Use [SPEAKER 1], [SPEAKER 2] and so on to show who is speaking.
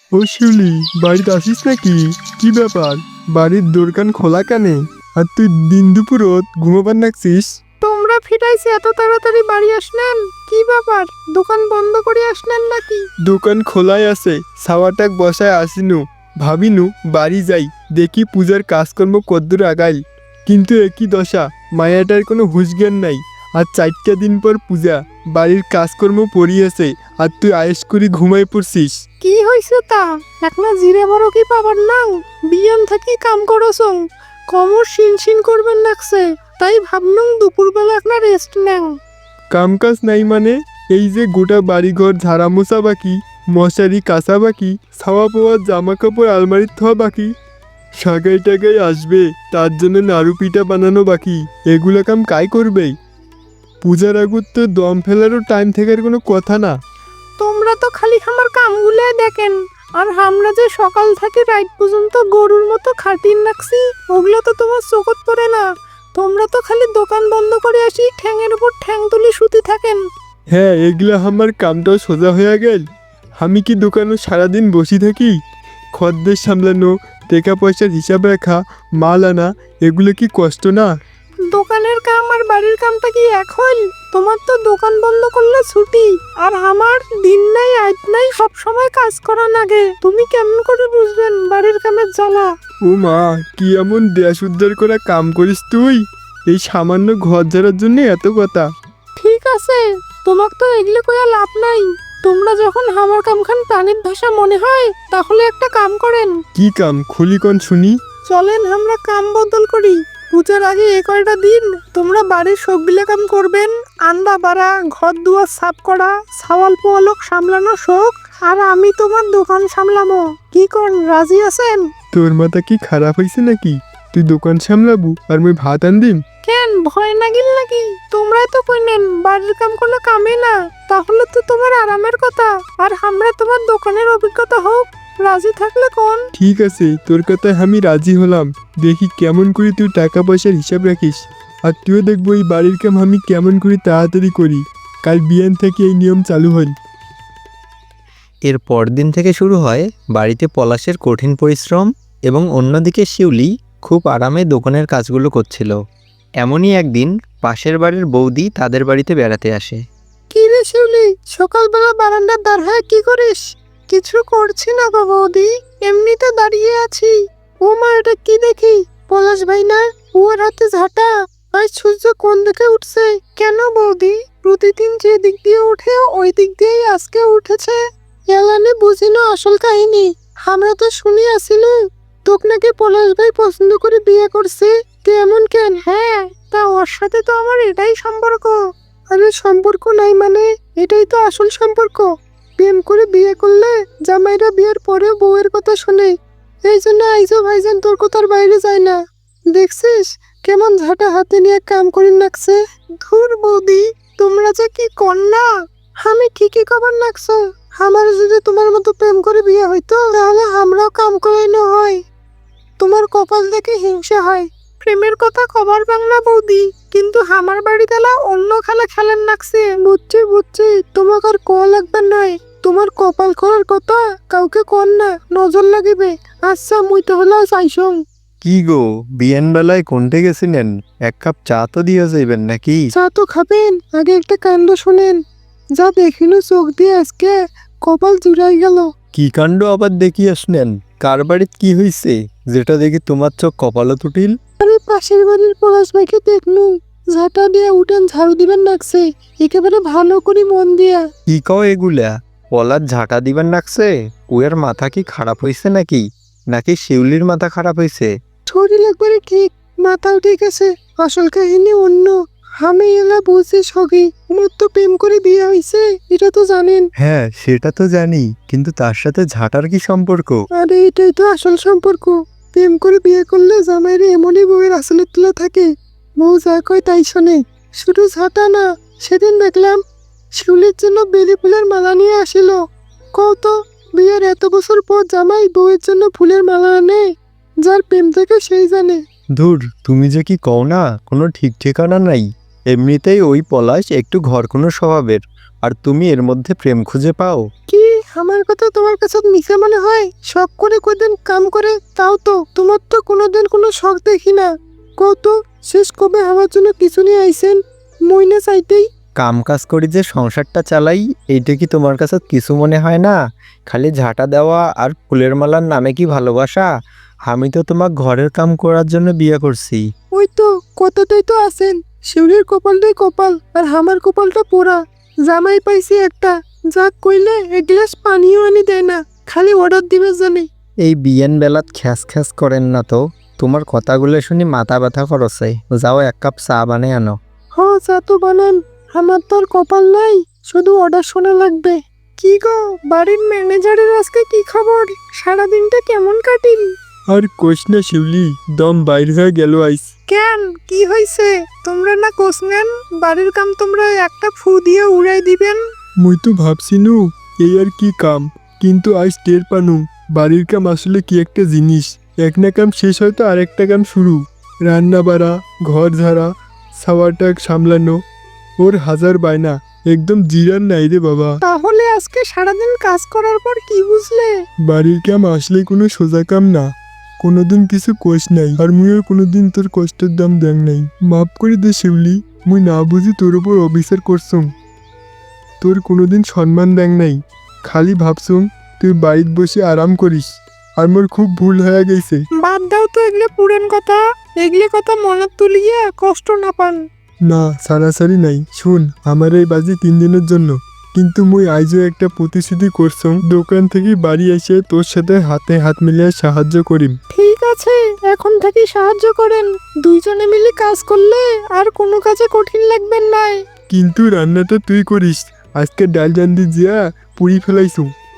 [SPEAKER 1] ও শিউলি, বাড়িতে আসিস নাকি? কি ব্যাপার, বাড়ির দোরকান খোলা কেনে? আর তুই দিন দুপুরত ঘুমোবার নাকছিস?
[SPEAKER 2] তোমরা ফিরাইছে এত তাড়াতাড়ি বাড়ি আসলেন? কি ব্যাপার, দোকান বন্ধ করে আসলেন নাকি?
[SPEAKER 1] দোকান খোলাই আছে, সাওয়াটাক বসায় আসিনু। ভাবিনু বাড়ি যাই, দেখি পূজার কাজকর্ম কদ্দূর আগাইল। কিন্তু একই দশা, মায়াটার কোনো হুঁশজ্ঞান নাই। আর 4টা দিন পর পূজা, বাড়ির কাজকর্ম পড়িয়েছে, আর তুই আয়েস করি ঘুমাই পড়ছিস।
[SPEAKER 2] কি হয়েছে তা? একলা জিরে বড় কি পাবার নাও? বিয়ান থাকি কাম করছং, কমর শিন করবেন লাগছে, তাই ভাবলুম দুপুরবেলা একলা রেস্ট নেও।
[SPEAKER 1] কাম কাজ নাই মানে? এই যে গোটা বাড়িঘর ঝাড়া মোছা বাকি, মশারি কাঁচা বাকি, ছাওয়া পাওয়া জামা কাপড় আলমারির থোয়া বাকি, সাগাই টাগাই আসবে তার জন্য নাড়ু পিঠা বানানো বাকি, এগুলো কাম কাই করবে? পূজার আগুর তো দম ফেলারও টাইম থাকার কোনো কথা না।
[SPEAKER 2] তোমরা তো খালি আমার কামগুলো দেখেন, আর আমরা যে সকাল থেকে রাত পর্যন্ত গরুর মতো খাটিন রাখছি, ওগুলো তো তোমার চোখত পড়ে না। তোমরা তো খালি দোকান বন্ধ করে আসি ঠ্যাঙের উপর ঠ্যাং তুলি শুতে থাকেন।
[SPEAKER 1] হ্যাঁ, এগুলো আমার কামটাও সোজা হয়ে গেল। আমি কি দোকানে সারাদিন বসে থাকি? খদ্দের সামলানো, টাকা পয়সার হিসাব রাখা, মাল আনা, এগুলো কি কষ্ট না?
[SPEAKER 2] দোকানের কাম আর বাড়ির কামটা কি এক হইল? তোমার তো দোকান বন্ধ করলে ছুটি, আর আমার দিন নাই রাত নাই সব সময় কাজ করা লাগে। তুমি কেমন করে বুঝবেন বাড়ির কামের জ্বালা?
[SPEAKER 1] ও মা, কি এমন দেশ উদ্ধার করা কাম করিস তুই? এই সামান্য ঘর ঝাড়ার জন্য এত কথা?
[SPEAKER 2] ঠিক আছে, তোমাক তো এগুলো কইয়া লাভ নাই। তোমরা যখন আমার কামখান প্রাণীর ভাষা মনে হয়, তাহলে একটা কাম করেন।
[SPEAKER 1] কি কাম, খুলি কন শুনি।
[SPEAKER 2] চলেন আমরা কাম বদল করি। পূজার আগে এ কয়টা দিন তোমরা বাড়ির সবগুলা কাম করবেন। আন্ডা বাড়া, ঘর দুয়ার সাফ করা, সাওয়াল পোয়ালক সামলানো শোক, আর আমি তোমার দোকান সামলামো। কি করেন, রাজি আছেন?
[SPEAKER 1] তোর মাথা কি খারাপ হয়েছে নাকি? তুই দোকান সামলাবু আর মুই ভাত আনদিম?
[SPEAKER 2] কেন, ভয় নাগিল নাকি? তোমরাই তো কইলেন বাড়ির কাম কোনো কামে না, তাহলে তো তোমার আরামের কথা, আর আমরা তোমার দোকানের অভিজ্ঞতা হোক। রাজি থাকলে কোন?
[SPEAKER 1] ঠিক আছে, তোর কথায় আমি রাজি হলাম। দেখি কেমন করে তুই টাকা পয়সার হিসাব রাখিস, আর তুইও দেখবো এই বাড়ির কাম আমি কেমন করে তাড়াতাড়ি করি। কাল বিয়ান থেকে এই নিয়ম চালু হল।
[SPEAKER 3] এর পরদিন থেকে শুরু হয় বাড়িতে পলাশের কঠিন পরিশ্রম, এবং অন্যদিকে শিউলি খুব আরামে দোকানের কাজগুলো করছিল। এমনই একদিন পাশের বাড়ির বৌদি তাদের বাড়িতে বেড়াতে আসে।
[SPEAKER 2] কি রে শিউলি, সকালবেলা বারান্দার দাঁড় হয়ে কি করিস? কিছু করছি না গো বৌদি, এমনিতে দাঁড়িয়ে আছি। ও মা, এটা কি দেখি? পলাশ ভাই না? ওর হাতে ঝাঁটা। আজ সূর্য কোন দিকে উঠছে? কেন বৌদি, প্রতিদিন যে দিক দিয়ে ওঠে ওই দিক দিয়েই আজকে উঠেছে? এলানে বুঝিনো আসল কাহিনী। আমরা তো শুনি আসিলু তোক নাকি পলাশ ভাই পছন্দ করে বিয়ে করছে। তুই এমন কেন? হ্যাঁ, তা ওর সাথে তো আমার এটাই সম্পর্ক। আরে সম্পর্ক নাই মানে? এটাই তো আসল সম্পর্ক। প্রেম করে বিয়ে করলে জামাইরা বিয়ের পরেও বউয়ের কথা শোনে। এই জন্য আইজো ভাইজান তোর কথার বাইরে যায় না। দেখছিস কেমন ঝাঁটা হাতে নিয়ে কাম করি নাকছে? ধুর বৌদি, তোমরা যে কি কন্যা! আমি ঠিকই কবার নাকছো। আমার যদি তোমার মতো প্রেম করে বিয়ে হইতো, তাহলে আমরাও কাম করাইনো হয়। তোমার কপাল দেখে হিংসা হয়। প্রেমের কথা কবার বাংলা বৌদি, কিন্তু আমার বাড়িতে অন্য খেলা খেলেন নাকছে। বুঝছি, তোমাকে আর ক লাগবে নয়। তোমার কপাল খোলার কথা কাউকে কর না, নজর লাগিবে। আচ্ছা, মুই তো হলো চাইছং।
[SPEAKER 3] কি গো, বিয়েন বেলায় কোনটে গেছিলেন? এক কাপ চা তো দিয়ে যাইবেন নাকি?
[SPEAKER 2] চা তো খাবেন, আগে একটা কাণ্ড শোনেন। যা দেখিনু চোখ দিয়ে আজকে, কপাল জুড়াই গেল।
[SPEAKER 3] কি কাণ্ড আবার দেখি আসলেন? কার বাড়িত কি হইছে যেটা দেখি তোমার চোখ কপালে তুটিল?
[SPEAKER 2] আরে পাশের বাড়ির পলাশ ভাইকে দেখনু, ঝাঁটা দিয়ে উঠেন ঝাড়ু দিবেন নাকছে, একেবারে ভালো করে মন দিয়া।
[SPEAKER 3] কি কও এগুলা? পলার ঝাঁটা দিবেন রাখছে? ওর মাথা কি খারাপ হইছে নাকি? নাকি শিউলির মাথা খারাপ হইছে?
[SPEAKER 2] শরীর একবারে ঠিক, মাথাও ঠিক আছে। আসল কাহিনী অন্য। আমি এলা বুঝছি সগি, আমার তো প্রেম করে বিয়ে হয়েছে, এটা তো জানেন।
[SPEAKER 3] হ্যাঁ, সেটা তো জানি, কিন্তু তার সাথে ঝাঁটার কি সম্পর্ক?
[SPEAKER 2] আরে এটাই তো আসল সম্পর্ক। প্রেম করে বিয়ে করলে জামাইরে এমনই বউয়ের আসলে তুলে থাকে। বউ যা কয় তাই শোনে। শুধু ঝাঁটা না, সেদিন দেখলাম শিউলির জন্য বেলি ফুলের মালা নিয়ে আসিল। কত, বিয়ের এত বছর পর জামাই বউয়ের জন্য ফুলের মালা আনে? যার প্রেম থাকে সেই জানে।
[SPEAKER 3] ধুর, তুমি যে কি কও না, কোনো ঠিক ঠিকানা নাই। এমনিতেই ওই পলাশ একটু ঘরকুনো স্বভাবের, আর তুমি এর মধ্যে প্রেম খুঁজে পাও?
[SPEAKER 2] কি, আমার কথা তোমার কাছে মিশে মনে হয়? শখ করে কোনদিন কাম করে তাও তো তোমার তো কোনোদিন কোনো শখ দেখি না। কত শেষ কবে আমার জন্য কিছু নিয়ে আইছেন মইনা চাইতেই?
[SPEAKER 3] কাম কাজ করি যে সংসারটা চালাই, এইটা কি তোমার কাছে কিছু মনে হয় না? খালি ঝাঁটা দেওয়া আর ফুলের মালার নামে কি ভালোবাসা? আমি তো তোমার ঘরের কাম করার জন্য বিয়ে করছি।
[SPEAKER 2] ওই তো কথাটাই তো আছেন, শিউলির কপালটাই কপাল আর আমার কপালটা পোড়া। জামাই পাইছি একটা, যা কইলে এক গ্লাস পানিও আনি দেয় না, খালি অর্ডার দিবে জানি।
[SPEAKER 3] এই বিয়েন বেলাত খ্যাস খ্যাস করেন না তো, তোমার কথাগুলো শুনি মাথা ব্যথা করছে। যাও এক কাপ চা বানিয়ে আনো।
[SPEAKER 2] হ চা তো বানান, আমার তো আর কপাল নাই, শুধু অর্ডার শোনা লাগবে। কি গো বাড়ির ম্যানেজারের আজকে কি খবর? সারাদিনটা কেমন কাটিল?
[SPEAKER 1] আর কোষ না শিউলি, দম বাইর হয়ে গেল আইস।
[SPEAKER 2] কেন কি হয়েছে? তোমরা না কোষ নেন, বাড়ির কাম তোমরা একটা ফু দিয়ে উড়াই দিবেন।
[SPEAKER 1] মুই তো ভাবছিনু এই আর কি কাম, কিন্তু আজ টের পানু বাড়ির কাম আসলে কি একটা জিনিস। এক না কাম শেষ হয়তো আরেকটা কাম শুরু। রান্না বাড়া, ঘর ঝাড়া, সাওয়াটাক সামলানো, ওর হাজার বায়না, একদম জিরান নাই রে বাবা।
[SPEAKER 2] তাহলে আজকে সারাদিন কাজ করার পর কি বুঝলে?
[SPEAKER 1] বাড়ির কাম আসলে কোনো সোজা কাম না। কোনোদিন কিছু কোষ নাই, আর মুইও কোনোদিন তোর কষ্টের দাম দেন নাই। মাফ করে দে শিউলি, মুই না বুঝি তোর উপর অবিচার করছুম। তোর কোনোদিন সম্মান দেন নাই, খালি ভাবছুম তুই বাড়িতে বসে আরাম করিস, আর মোর খুব ভুল হয়ে গেছে।
[SPEAKER 2] বাদ দাও তো এগুলো পুরান কথা, এগুলো কথা মনে তুলিয়ে কষ্ট না পান।
[SPEAKER 1] না সারাসারি নাই, শুন আমার এই বাজি 3 দিনের জন্য, কিন্তু মুই আইজও একটা প্রতিশ্রুতি করছুম, দোকান থেকে বাড়ি এসে তোর সাথে হাতে হাত মিলিয়ে সাহায্য করিম।
[SPEAKER 2] ঠিক আছে, এখন থেকে সাহায্য করেন, দুইজনে মিলে কাজ করলে আর কোনো কাজে কঠিন লাগবেন না।
[SPEAKER 1] কিন্তু রান্নাটা তুই করিস, আজকে ডাল জান্দি জিয়া পুরি ফেলাইছু।